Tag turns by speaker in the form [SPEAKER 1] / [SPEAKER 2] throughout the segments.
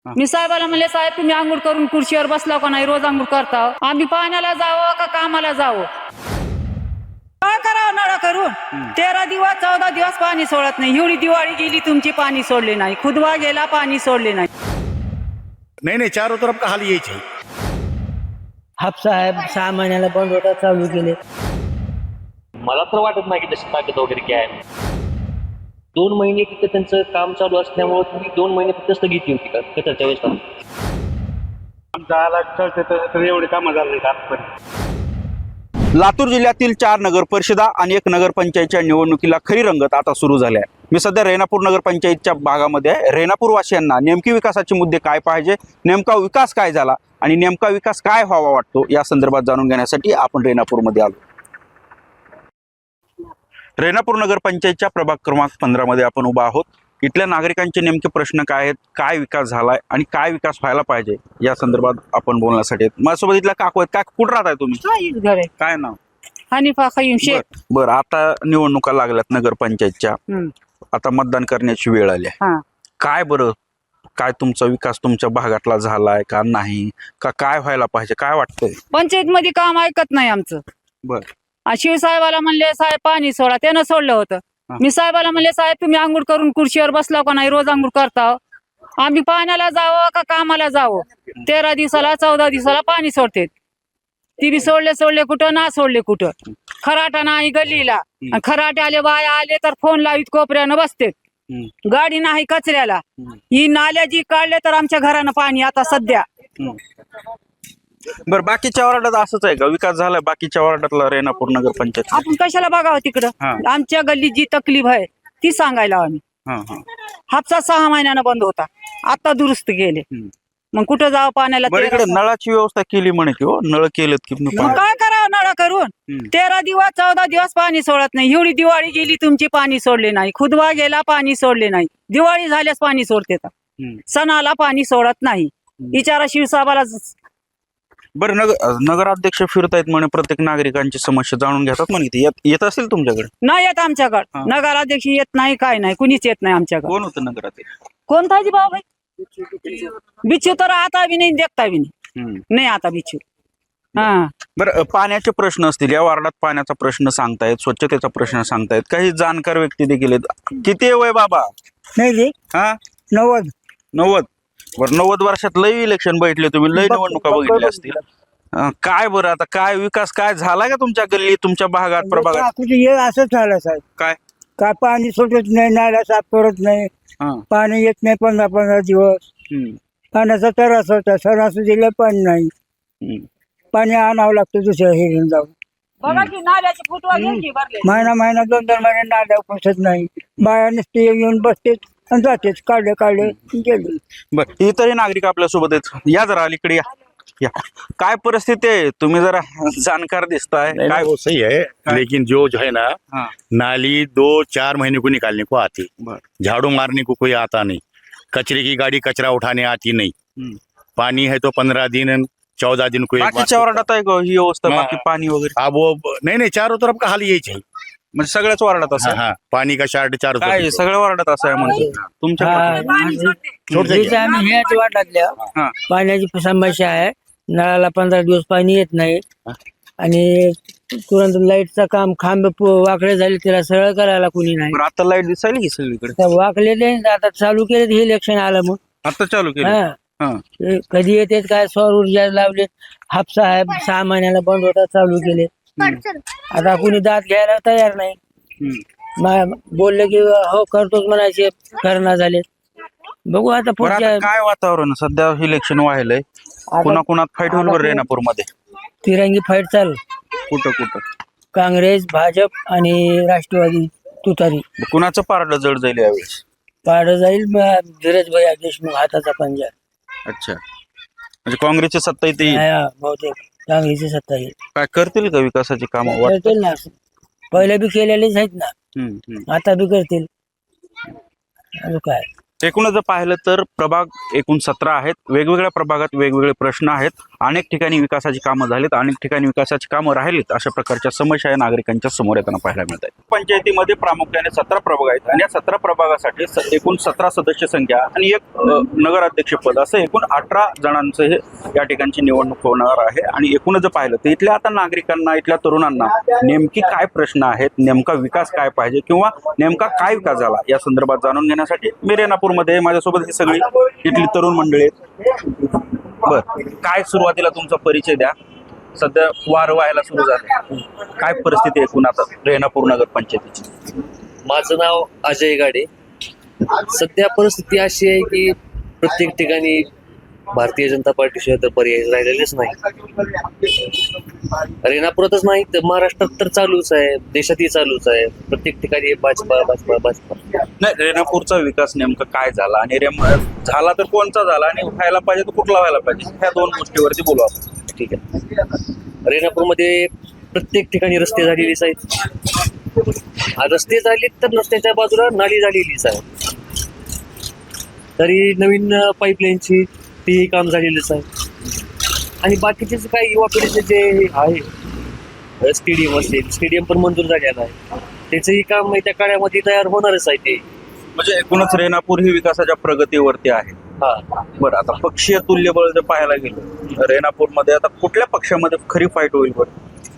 [SPEAKER 1] मी साहेबाला म्हणले, साहेब तुम्ही आंघोळ करून खुर्चीवर बसला का नाही? रोज आंघोळ करता. आम्ही पाण्याला जावं का कामाला जावं? काय करावं नळा करून? 13 दिवस 14 दिवस पाणी सोडत नाही. एवढी दिवाळी गेली तुमची, पाणी सोडले नाही. खुदवा गेला, पाणी सोडले नाही.
[SPEAKER 2] नहीं चारों तरफ का हाल यही है।
[SPEAKER 3] हापसा आहे 6 महिन्याला बंद होता, चालू केले.
[SPEAKER 4] मला तर वाटत नाही की तशी ताकद वगैरे काय आहे. 2 महिने तिथं त्यांचं काम चालू असल्यामुळे तुम्ही 2 महिने फक्त स्थगिती होती का कचरच्या वेळेस?
[SPEAKER 5] आमचा कळते तर एवढे कामं झाले नाहीत आजपर्यंत.
[SPEAKER 6] लातूर जिल्ह्यातील 4 नगर परिषदा आणि 1 नगरपंचायतच्या निवडणुकीला खरी रंगत आता सुरू झाली आहे. मी सध्या रेणापूर नगरपंचायतच्या भागामध्ये आहे. रेणापूरवासियांना नेमकी विकासाचे मुद्दे काय पाहिजे, नेमका विकास काय झाला आणि नेमका विकास काय व्हावा वाटतो या संदर्भात जाणून घेण्यासाठी आपण रेणापूरमध्ये आलो. रेणापूर नगरपंचायतच्या प्रभाग क्रमांक 15 मध्ये आपण उभा आहोत. इथल्या नागरिकांचे नेमके प्रश्न काय आहेत, काय विकास झालाय आणि काय विकास व्हायला पाहिजे या संदर्भात आपण बोलण्यासाठी माझ्यासोबत इथल्या काकू आहेत. काय कुठं राहताय तुम्ही?
[SPEAKER 1] घर आहे
[SPEAKER 6] काय नाव?
[SPEAKER 1] हनीफा खयूम शेख.
[SPEAKER 6] बरं, आता निवडणुका लागल्यात नगरपंचायतच्या. आता मतदान करण्याची वेळ आली आहे.
[SPEAKER 1] हा.
[SPEAKER 6] काय बरं, काय तुमचा विकास तुमच्या भागातला झालाय का नाही, का काय व्हायला पाहिजे, काय वाटतंय?
[SPEAKER 1] पंचायत मध्ये काम ऐकत नाही आमचं.
[SPEAKER 6] बर
[SPEAKER 1] शिवसाहेबाला म्हणले, साहेब पाणी सोडा. त्यानं सोडलं होतं. मी साहेबाला म्हणले, साहेब तुम्ही आंघोळ करून खुर्चीवर बसला का नाही? रोज आंघोळ करता. आम्ही पाण्याला जावं का कामाला जावं? 13 दिवसाला 14 दिवसाला पाणी सोडते. ती बी सोडले कुठं ना सोडले कुठं. खराटा नाही गल्लीला. खराटे आले, बाया आले तर फोन लावित कोपऱ्यानं बसते. गाडी नाही कचऱ्याला. ही नाल्या जी काढले तर आमच्या घरानं पाणी आता सध्या.
[SPEAKER 6] बरं, बाकीच्या वार्डात असंच आहे का? विकास झालाय बाकीच्या वार्डातला रेणापूर नगरपंचायत?
[SPEAKER 1] आपण कशाला बघावं तिकडं? आमच्या गल्लीत जी तकलीफ आहे ती सांगायला आम्ही. हापसा 6 महिन्यानं बंद होता, आता दुरुस्त केले. मग कुठं जावं पाण्याला?
[SPEAKER 6] बरं, इकडे नळाची व्यवस्था केली म्हणे की हो, नळ केलेत की
[SPEAKER 1] मग काय करावं नळा करून? 13 दिवस 14 दिवस पाणी सोडत नाही. एवढी दिवाळी गेली तुमची, पाणी सोडले नाही. खुदवा गेला, पाणी सोडले नाही. दिवाळी झाल्यास पाणी सोडते, सणाला पाणी सोडत नाही. विचारा शिवसाहेबाला.
[SPEAKER 6] बरं, नगराध्यक्ष फिरतायत म्हणे, प्रत्येक नागरिकांची समस्या जाणून घेतात म्हणे. येत असेल तुमच्याकडे?
[SPEAKER 1] नाही येत आमच्याकडे. नगराध्यक्ष येत नाही, काय नाही, कुणीच येत नाही आमच्याकडे.
[SPEAKER 6] कोण होतं नगराध्यक्ष?
[SPEAKER 1] कोणता जी भाऊ भाई? बिच्छू तर आता बी नाही, देखता बी नाही आता बिच्छू. हा.
[SPEAKER 6] बरं, पाण्याचे प्रश्न असतील या वार्डात. पाण्याचा प्रश्न सांगतायत, स्वच्छतेचा प्रश्न सांगतायत, काही जाणकार व्यक्ती देखील आहेत. किती वय बाबा?
[SPEAKER 3] नाही रे,
[SPEAKER 6] हा,
[SPEAKER 3] 90.
[SPEAKER 6] बरं, 90 वर्षात लय इलेक्शन बैठले तुम्ही, लय निवडणुका बघितल्या असतील. काय बरं, आता काय विकास काय झाला का तुमच्या गल्ली, तुमच्या भागात, प्रभागात?
[SPEAKER 3] हे असं झालं साहेब.
[SPEAKER 6] काय
[SPEAKER 3] पाणी सोडत नाही, नाला साफ करत नाही. पाणी येत नाही 15-15 दिवस. पाण्याचा त्रास होता. सणासुदीला पाणी नाही. पाणी आणावं लागतं दुसऱ्या हे घेऊन जाऊन.
[SPEAKER 1] बघा की नाल्याची फुटवा घ्यायची भरले.
[SPEAKER 3] महिना 2-2 महिने नाल्या पोचत नाही. बाया नुसते येऊन बसतेच आणि जातेच. काढले गेले.
[SPEAKER 6] बरं, इतरही नागरिक आपल्या सोबत आहेत. या जरा अलीकडे या. काय परिस्थिती आहे? तुम्ही जरा जानकार दिसताय.
[SPEAKER 2] काय वो सही है, लेकिन जो है ना, नाली 2-4 महीने को निकालने को आती, झाड़ू मारने को कोई आता नहीं, कचरे की गाड़ी कचरा उठाने आती नहीं, पानी है तो 15 दिन 14 दिन को एक बार.
[SPEAKER 6] बाकीच्या वार्डात आहे का ही व्यवस्था? बाकी पाणी वगैरे?
[SPEAKER 2] अब वो नहीं चारों तरफ का हाल यही है.
[SPEAKER 6] म्हणजे सगळ्याच वार्डात असं आहे?
[SPEAKER 2] हाँ, पानी का शार्ट चारों
[SPEAKER 6] काय
[SPEAKER 2] तरफ.
[SPEAKER 6] सगळ्या वार्डात असं आहे म्हणजे? तुमच्या
[SPEAKER 3] आम्ही ह्याच वाटातल्या पाण्याची समस्या आहे. नळाला 15 दिवस पाणी येत नाही. आणि तुरंत लाईटचं काम, खांब वाकडे झाले, त्याला सरळ करायला कुणी नाही.
[SPEAKER 6] बरं, आता लाईट दिसायली की सगळीकडे?
[SPEAKER 3] त्या वाकलेले आता चालू केले. हे इलेक्शन आलं मग
[SPEAKER 6] आता चालू केलं.
[SPEAKER 3] ते कधी येते काय? सौर ऊर्जा लावले. हापसा आहे 6 महिन्याला बंद होता, चालू केले. आता कुणी दात घ्यायला तयार नाही. बोलले की हो करतोच म्हणायचे, करणार झाले. बघू आता
[SPEAKER 6] बरं,
[SPEAKER 3] पुढच्या.
[SPEAKER 6] आता काय वातावरण सध्या? इलेक्शन व्हायलंय, कुणात फाईट होईल बरं रेणापूर मध्ये?
[SPEAKER 3] तिरंगी फाईट चालू.
[SPEAKER 6] कुठं?
[SPEAKER 3] काँग्रेस, भाजप आणि राष्ट्रवादी तुतारी.
[SPEAKER 6] कुणाचं पारडं जड जाईल यावेळेस?
[SPEAKER 3] पाड जाईल धीरज भैया देशमुख हाताचा पंजा.
[SPEAKER 6] अच्छा, म्हणजे काँग्रेसची सत्ता येते?
[SPEAKER 3] बहुतेक काँग्रेसची सत्ता येईल.
[SPEAKER 6] काय करतील का विकासाची कामं?
[SPEAKER 3] करतील ना, पहिले बी केलेलेच आहेत ना, आता बी करतील. काय
[SPEAKER 6] एकूणच जर पाहिलं तर प्रभाग एकूण 17 आहेत. वेगवेगळ्या प्रभागात वेगवेगळे प्रश्न आहेत. अनेक ठिकाणी विकासाची कामं झालीत, अनेक ठिकाणी विकासाची कामं राहिलीत, अशा प्रकारच्या समस्या या नागरिकांच्या समोर येताना पाहायला मिळत आहेत. पंचायतीमध्ये प्रामुख्याने 17 प्रभाग आहेत आणि या 17 प्रभागासाठी एकूण 17 सदस्य संख्या आणि एक नगराध्यक्ष पद असं एकूण 18 जणांचं हे या ठिकाणची निवडणूक होणार आहे. आणि एकूणच जर पाहिलं तर इथल्या आता नागरिकांना, इथल्या तरुणांना नेमकी काय प्रश्न आहेत, नेमका विकास काय पाहिजे किंवा नेमका काय विकास झाला या संदर्भात जाणून घेण्यासाठी मी रेणापूरमध्ये, माझ्यासोबत ही सगळी इथली तरुण मंडळी आहेत. बर, काय सुरुवातीला तुमचा परिचय द्या. सध्या वार व्हायला सुरू झाले, काय परिस्थिती आहे एकूण आता रेणापूर नगर पंचायतीची?
[SPEAKER 4] माझं नाव अजय गाडे. सध्या परिस्थिती अशी आहे की प्रत्येक ठिकाणी भारतीय जनता पार्टीशिवाय तर पर्याय राहिलेलेच नाही. रेणापुरातच नाही तर महाराष्ट्रात तर चालूच आहे, देशातही चालूच आहे. प्रत्येक ठिकाणी भाजपा भाजपा भाजपा.
[SPEAKER 6] नाही, रेणापूरचा विकास नेमका काय झाला आणि झाला तर कोणचा झाला आणि व्हायला पाहिजे तर कुठला व्हायला पाहिजे, ह्या दोन गोष्टीवरती बोलू आपण.
[SPEAKER 4] ठीक आहे. रेणापूरमध्ये प्रत्येक ठिकाणी रस्ते झालेलीच आहेत. रस्ते झालेत तर रस्त्याच्या बाजूला नाली झालेलीच आहे. तरी नवीन पाईपलाईनची तेही काम झालेलंच आहे. आणि बाकीचे जे काही युवा पिढीचे जे आहे, स्टेडियम असेल, स्टेडियम पण मंजूर झालेलं आहे. त्याचंही काम त्या काळामध्ये तयार होणारच आहे. ते
[SPEAKER 6] म्हणजे एकूणच रेणापूर ही विकासाच्या प्रगतीवरती आहे.
[SPEAKER 4] हा.
[SPEAKER 6] बरं, आता पक्षीय तुल्यबळ जर पाहायला गेलं रेणापूरमध्ये आता कुठल्या पक्षामध्ये खरी फाईट होईल? बरं,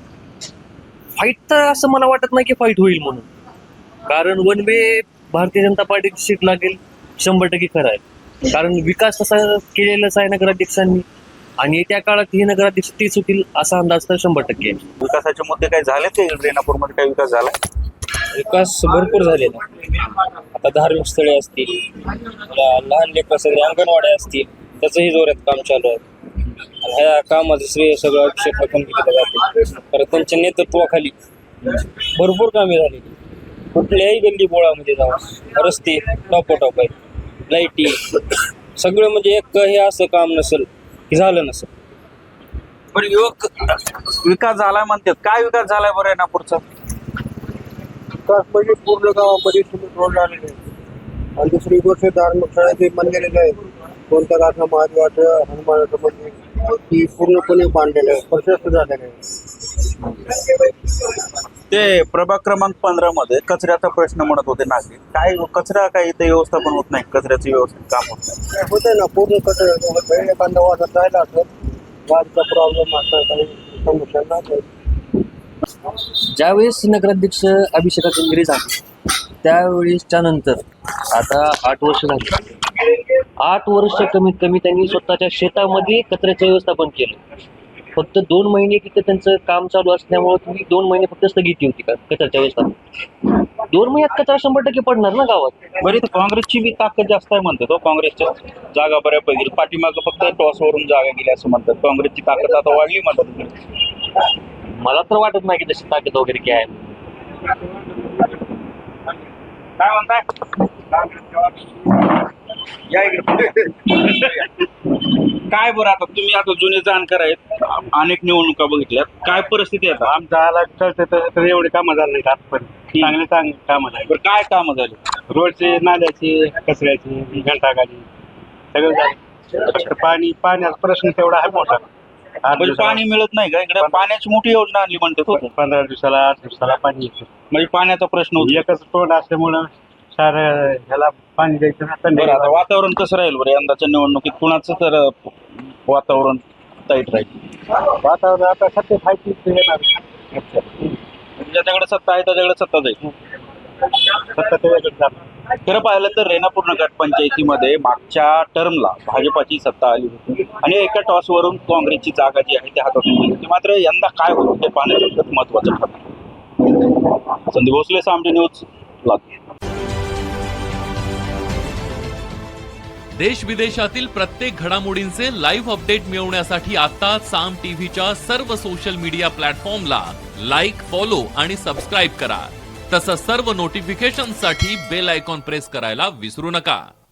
[SPEAKER 4] फाईट तर असं मला वाटत नाही की फाईट होईल म्हणून. कारण वन वे भारतीय जनता पार्टीची सीट लागेल 100% खरं आहे. कारण विकास तसा केलेलाच आहे नगराध्यक्षांनी आणि येत्या काळात ही नगराध्यक्ष तीच होतील असा अंदाज तर 100% आहे.
[SPEAKER 6] विकासाचे मुद्दे काही झाले ते रेणापूरमध्ये? काही विकास झाला?
[SPEAKER 7] विकास भरपूर झालेला. आता धार्मिक स्थळे असतील, लहान लेकरासाठी अंगणवाड्या असतील, त्याचंही जोरात काम चालू आहे. ह्या कामाचं श्रेय सगळं अभिषेक टाकून केलं जाते. तर त्यांच्या नेतृत्वाखाली भरपूर कामे झालेली. कुठल्याही गल्ली बोळामध्ये जाऊन रस्ते टॉप आहेत, लाईटी, सगळं म्हणजे एक हे असं काम नसेल की झालं नसेल.
[SPEAKER 6] पण युवक विकास झालाय म्हणतात, काय विकास झालाय बरं रेणापूरचा?
[SPEAKER 5] विकास म्हणजे पूर्ण गावामध्ये सिमेंट रोड झालेले आहे. आणि दुसरी गोष्ट धार्मिक स्थळाचे मंदिर आहे, कोणत्या गाठा महादेवाचं, हनुमानाचं मंदिर, ती पूर्णपणे बांधलेलं आहे, प्रशस्त झालेलं आहे.
[SPEAKER 6] ते प्रभाग क्रमांक 15 मध्ये कचऱ्याचा प्रश्न म्हणत होते नागरिक. काय कचरा काही इथे व्यवस्थापन होत नाही, कचऱ्याचं व्यवस्थित काम होत नाही.
[SPEAKER 5] होते ना, पूर्ण कचरा एखादा वाटत राहिला असं गाडीचा प्रॉब्लेम असा काही समस्या नाही.
[SPEAKER 4] ज्यावेळेस नगराध्यक्ष अभिषेकाचे इंग्रज झाले त्यावेळेसच्या नंतर आता 8 वर्ष झाली. 8 वर्ष कमीत कमी त्यांनी स्वतःच्या शेतामध्ये कचऱ्याचं व्यवस्थापन केलं. फक्त 2 महिने तिथे त्यांचं काम चालू असल्यामुळे तुम्ही 2 महिने फक्त स्थगिती होती का कचऱ्याच्या व्यवस्थापन. 2 महिन्यात कचरा 100% पडणार ना गावात.
[SPEAKER 6] बरं, इथं काँग्रेसची बी ताकद जास्त आहे म्हणतात. तो काँग्रेसच्या जागा बऱ्यापैकी, पाठीमागं फक्त टॉसवरून जागा गेल्या असं म्हणतात. काँग्रेसची ताकद आता वाढली म्हणतात.
[SPEAKER 4] मला तर वाटत नाही की तशी ताकद वगैरे काय आहे.
[SPEAKER 6] काय म्हणताय? या इकडे. काय बरं, आता तुम्ही आता जुने जाणकार आहेत, अनेक निवडणुका बघितल्यात, काय परिस्थिती आहे आता?
[SPEAKER 5] आमचा आला तर एवढे कामं झाले नाही आजपर्यंत. चांगली कामं झाली.
[SPEAKER 6] बरं, काय कामं झाली?
[SPEAKER 5] रोडचे, नाल्याची, कचऱ्याची, घंटागाडी सगळं झालं. फक्त पाण्याचा प्रश्न तेवढा आहे मोठा.
[SPEAKER 6] म्हणजे पाणी मिळत नाही का इकडे? पाण्याची मोठी योजना आणली म्हणतात.
[SPEAKER 5] 15 दिवसाला 8 दिवसाला पाणी येतं.
[SPEAKER 6] म्हणजे पाण्याचा प्रश्न होतो.
[SPEAKER 5] एकच तोंड असल्यामुळं सारं ह्याला पाणी द्यायचं ना.
[SPEAKER 6] बरं, आता वातावरण कसं राहील बरं यंदाच्या निवडणुकीत? कुणाचं तर वातावरण टाईट राहील?
[SPEAKER 5] वातावरण आता सत्य फायची येणार.
[SPEAKER 6] ज्याच्याकडे सत्ता आहे त्याच्याकडे सत्ता जाईल.
[SPEAKER 5] सत्ता त्याच्याकडे जाणार.
[SPEAKER 6] खरं पाहिलं तर रेणापूर नगर पंचायतीमध्ये मागच्या टर्मला भाजपाची सत्ता आली होती आणि एका टॉसवरून काँग्रेसची जागा जी आहे ती हातातून गेली होती. मात्र यंदा काय होतं ते पाहण्याचं महत्वाचं ठरलं. संदीप भोसले, सामने न्यूज, लातूर.
[SPEAKER 8] देश विदेशातील प्रत्येक घडामोडींचे लाईव्ह अपडेट मिळवण्यासाठी आता साम टीव्हीच्या सर्व सोशल मीडिया प्लॅटफॉर्मला लाईक, फॉलो आणि सबस्क्राईब करा. तसंच सर्व नोटिफिकेशनसाठी बेल आयकॉन प्रेस करायला विसरू नका.